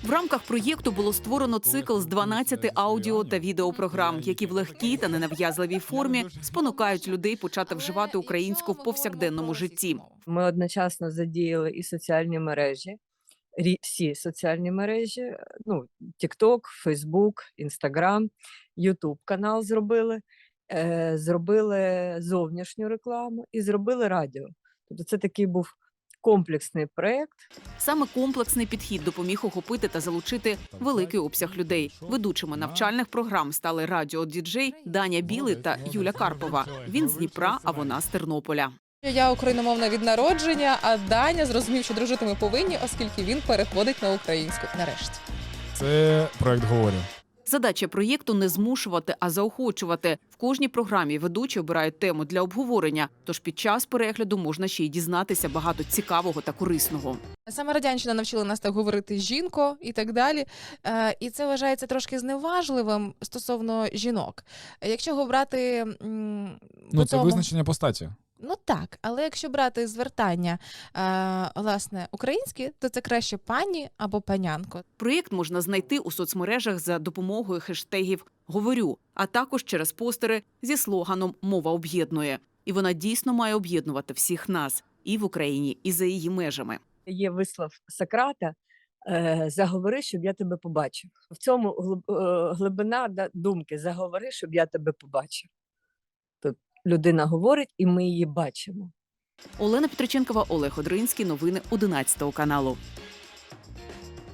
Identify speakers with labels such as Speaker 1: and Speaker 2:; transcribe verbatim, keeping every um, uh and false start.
Speaker 1: В рамках проєкту було створено цикл з дванадцяти аудіо та відеопрограм, які в легкій та ненав'язливій формі спонукають людей почати вживати українську в повсякденному житті.
Speaker 2: Ми одночасно задіяли і соціальні мережі, рі- всі соціальні мережі, ну, TikTok, Facebook, Instagram, YouTube канал зробили, е, зробили зовнішню рекламу і зробили радіо. Тобто це такий був комплексний проєкт.
Speaker 1: Саме комплексний підхід допоміг охопити та залучити великий обсяг людей. Ведучими навчальних програм стали радіодіджей Даня Білий та Юля Карпова. Він з Дніпра, а вона з Тернополя.
Speaker 3: Я україномовна від народження, а Даня зрозумів, що дружити ми повинні, оскільки він переходить на українську нарешті.
Speaker 4: Це проект «Говорю».
Speaker 1: Задача проєкту – не змушувати, а заохочувати. В кожній програмі ведучі обирають тему для обговорення, тож під час перегляду можна ще й дізнатися багато цікавого та корисного.
Speaker 3: Саме радянщина навчила нас так говорити «жінко» і так далі. Е, І це вважається трошки зневажливим стосовно жінок. Якщо брати м, по
Speaker 4: Ну, це
Speaker 3: тому-
Speaker 4: визначення постаті.
Speaker 3: Ну так, але якщо брати звертання, е, власне, українські, то це краще пані або панянко.
Speaker 1: Проєкт можна знайти у соцмережах за допомогою хештегів «Говорю», а також через постери зі слоганом «Мова об'єднує». І вона дійсно має об'єднувати всіх нас і в Україні, і за її межами.
Speaker 2: Є вислов Сократа е, «Заговори, щоб я тебе побачив». В цьому глиб- е, глибина да, думки «Заговори, щоб я тебе побачив». Тут людина говорить, і ми її бачимо.
Speaker 1: Олена Петриченкова, Олег Одринський. Новини одинадцятого каналу.